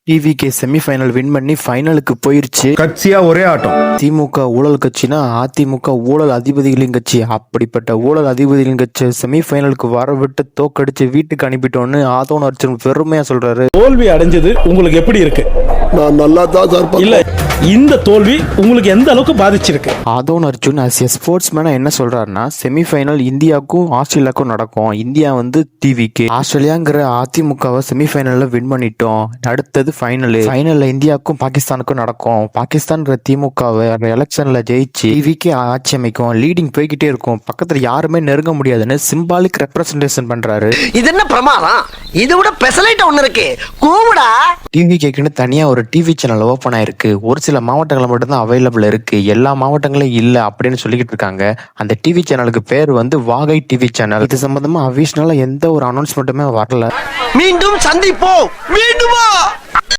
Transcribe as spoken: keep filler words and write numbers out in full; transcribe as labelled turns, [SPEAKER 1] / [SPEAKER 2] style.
[SPEAKER 1] TVK semi-final win பண்ணி ஃபைனலுக்கு போயிருச்சு.
[SPEAKER 2] கட்சியா ஒரே ஆட்டம்.
[SPEAKER 1] திமுக ஊழல் கட்சினா அதிமுக ஊழல் அதிபதிகளின் கட்சி. அப்படிப்பட்ட ஊழல் அதிபதிகளின் கட்சி செமிஃபைனலுக்கு வர விட்டு தோக்கடிச்சு வீட்டுக்கு அனுப்பிட்டோன்னு ஆதவன் அர்ஜுன் பெருமையா சொல்றாரு.
[SPEAKER 3] தோல்வி அடைஞ்சது உங்களுக்கு எப்படி இருக்கு?
[SPEAKER 4] நான் நல்லா தான் சார்.
[SPEAKER 3] இல்ல, இந்த தோல்வி உங்களுக்கு எந்த அளவுக்கு பாதிச்சிருக்கு?
[SPEAKER 1] ஆதவன் அர்ஜுன் ஆஸ் எ ஸ்போர்ட்ஸ் மேனா என்ன சொல்றாருன்னா, செமிஃபைனல் இந்தியாவுக்கும் ஆஸ்திரேலியாவுக்கும் நடக்கும். இந்தியா வந்து டிவிகே, ஆஸ்திரேலியாங்கிற அதிமுகவை செமிஃபைனல்ல வின் பண்ணிட்டோம். அடுத்தது ஃபைனல். ஃபைனல்ல இந்தியாவுக்கும் பாகிஸ்தானுக்கும் நடக்கும். பாகிஸ்தான்ங்கிற திமுகவை எலெக்ஷன்ல ஜெயிச்சு டிவிகே ஆட்சி அமைக்கும். லீடிங் போய்கிட்டே இருக்கும். பக்கத்துல யாருமே நெருங்க முடியாதுன்னு சிம்பாலிக் ரெப்ரசன்டேஷன் பண்றாரு.
[SPEAKER 5] இது என்ன பிரமாதம்? இது விட பெசலைட் ஒண்ணு இருக்கு. கூவுடா.
[SPEAKER 1] டிவிகேக்குன்னு தனியா ஒரு டிவி சேனல் ஓபன் ஆயிருக்கு. ஒரு சில மாவட்டங்கள் மட்டும்தான் அவைலபிள் இருக்கு. எல்லா மாவட்டங்களும் இல்ல அப்படின்னு சொல்லிக்கிட்டு இருக்காங்க. அந்த டிவி சேனலுக்கு பேர் வந்து வாகை டிவி சேனல். இது சம்பந்தமா அபிஷனலா எந்த ஒரு அனௌன்ஸ்மெண்ட்டுமே வரல.
[SPEAKER 5] மீண்டும் சந்திப்போம். மீண்டுமா?